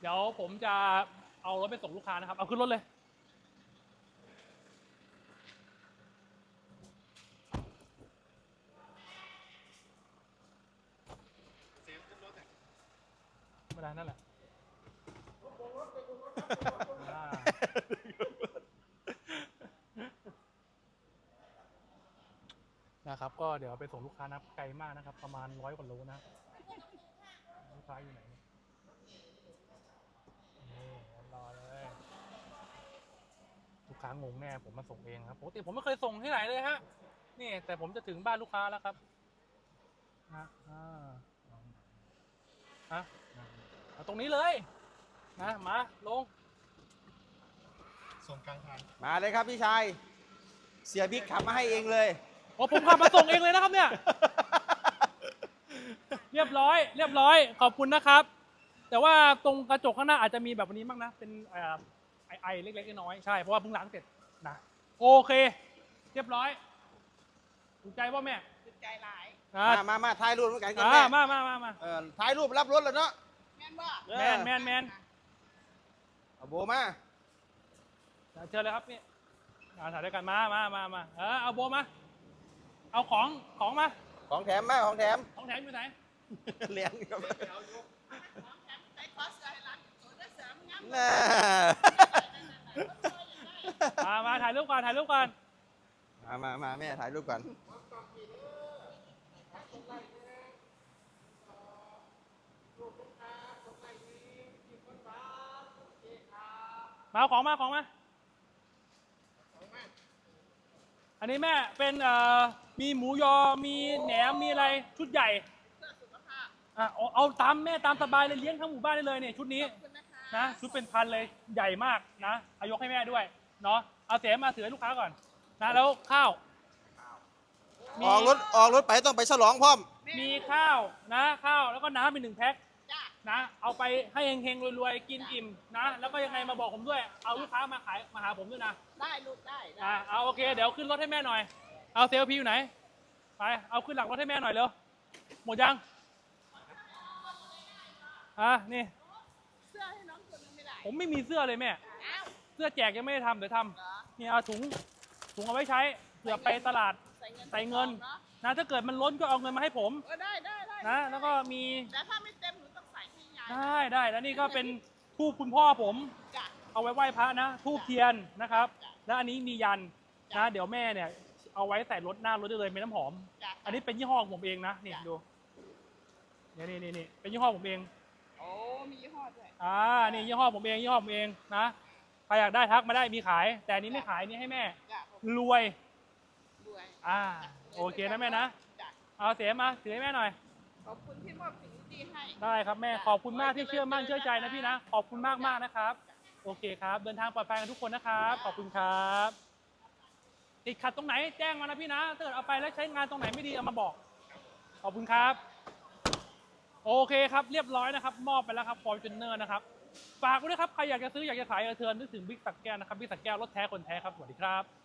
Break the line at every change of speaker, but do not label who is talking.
เดี๋ยวผมจะเอารถไปส่งลูกค้านะครับเอาขึ้นรถเลยไม่ได้นั่นแหละนะครับก็เดี๋ยวไปส่งลูกค้านะไกลมากนะครับประมาณ100 กว่าโลนะลูกค้าอยู่ไหนนี่รอเลยลูกค้างงแน่ผมมาส่งเองครับปกติผมไม่เคยส่งที่ไหนเลยฮะนี่แต่ผมจะถึงบ้านลูกค้าแล้วครับนะเอาตรงนี้เลยนะมาลง
ส่งกลางทาง
มาเลยครับพี่ชายเสียบิ๊กขับมาให้เองเลย
โอ้ผมขับมาส่งเองเลยนะครับเนี่ยเรียบร้อยขอบคุณนะครับแต่ว่าตรงกระจกข้างหน้าอาจจะมีแบบนี้บ้างนะเป็นไอเล็กๆน้อยๆใช่เพราะว่าเพิ่งล้างเสร็จนะโอเคเรียบร้อยถูกใจป่ะแม่
ถูกใจหลาย
มาถ่ายรูปด้วยกันกันแม่
มา
ถ่ายรูปรับรถแล้วเนาะ
แม่นบ่
แมน
เอาโบมา
เชิญเลยครับนี่ถ่ายด้วยกันมาเอาโบมาเอาของมา
ของแถมมาของแถม
อยู่ไหน
เลี้ยงครับ
ใส่คอสใส่หลังโซดาเสริมงาม
มาถ่ายรูปก่อน
มาแม่ถ่ายรูปก่อน
มาเอาของมาอันนี้แม่เป็นมีหมูยอมีแหนมมีอะไรชุดใหญ่เอาตามแม่ตามสบายเลยเลี้ยงทั้งหมู่บ้านได้เลยเนี่ยชุดนี้นะชุดเป็นพันเลยใหญ่มากนะเอายกให้แม่ด้วยเนาะเอาเสียมาถือให้ลูกค้าก่อนนะแล้วข้าว
ออกรถไปต้องไปฉลองพร้อม
มีข้าวนะข้าวแล้วก็น้ำเป็น1 แพ็คนะเอาไปให้เฮงๆรวยๆกินอิ่มนะแล้วก็ยังไงมาบอกผมด้วยเอาลูกค้ามาขายมาหาผมด้วยนะ
ได้ลูกได้
เอาโอเคเดี๋ยวขึ้นรถให้แม่หน่อยเอาเซลพีอยู่ไหนไปเอาขึ้นหลังรถให้แม่หน่อยเร็วหมดยังนี่
เสื้อให้น้องคนนึงไม่ได้
ผมไม่มีเสื้อเลยแม่เสื้อแจกยังไม่ได้ทำเดี๋ยวทำนี่เอาถุงเอาไว้ใช้เผื่อไปตลาดใส่เงินนะถ้าเกิดมันล้นก็เอาเงินมาให้ผม
ได้
นะแล้วก็มี
แต่ถ้าไม่เต็มหนูต้องใส่ให้ย
ายได้แล้วนี่ก็เป็นทูบคุณพ่อผมเอาไว้ไหว้พระนะทูบเทียนนะครับแล้วอันนี้มียันนะเดี๋ยวแม่เนี่ยเอาไว้ใส่รถหน้ารถได้เลยเป็นน้ำหอมอันนี้เป็นยี่ห้อของผมเองนะนี่ดูนี่เป็นยี่ห้อผมเอง
โอ้มียี่ห้อด้วย
นี่ยี่ห้อผมเองนะใครอยากได้ทักมาได้มีขายแต่อันนี้ไม่ขายนี่ให้แม่รวยโอเคนะแม่นะเอาเสียมาถือให้แม่หน่อย
ขอบคุณที่มอบสิ่งดีให้
ได้ครับแม่ขอบคุณมากที่เชื่อมั่นเชื่อใจนะพี่นะขอบคุณมากนะครับโอเคครับเดินทางปลอดภัยกันทุกคนนะครับขอบคุณครับติดขัดตรงไหนแจ้งมานะพี่นะถ้าเกิดเอาไปแล้วใช้งานตรงไหนไม่ดีเอามาบอกขอบคุณครับโอเคครับเรียบร้อยนะครับมอบไปแล้วครับFortunerนะครับฝากไว้ด้วยครับใครอยากจะซื้ออยากจะขายเทิร์นนึกถึงบิ๊กสักแก้วนะครับบิ๊กสักแก้วรถแท้คนแท้ครับสวัสดีครับ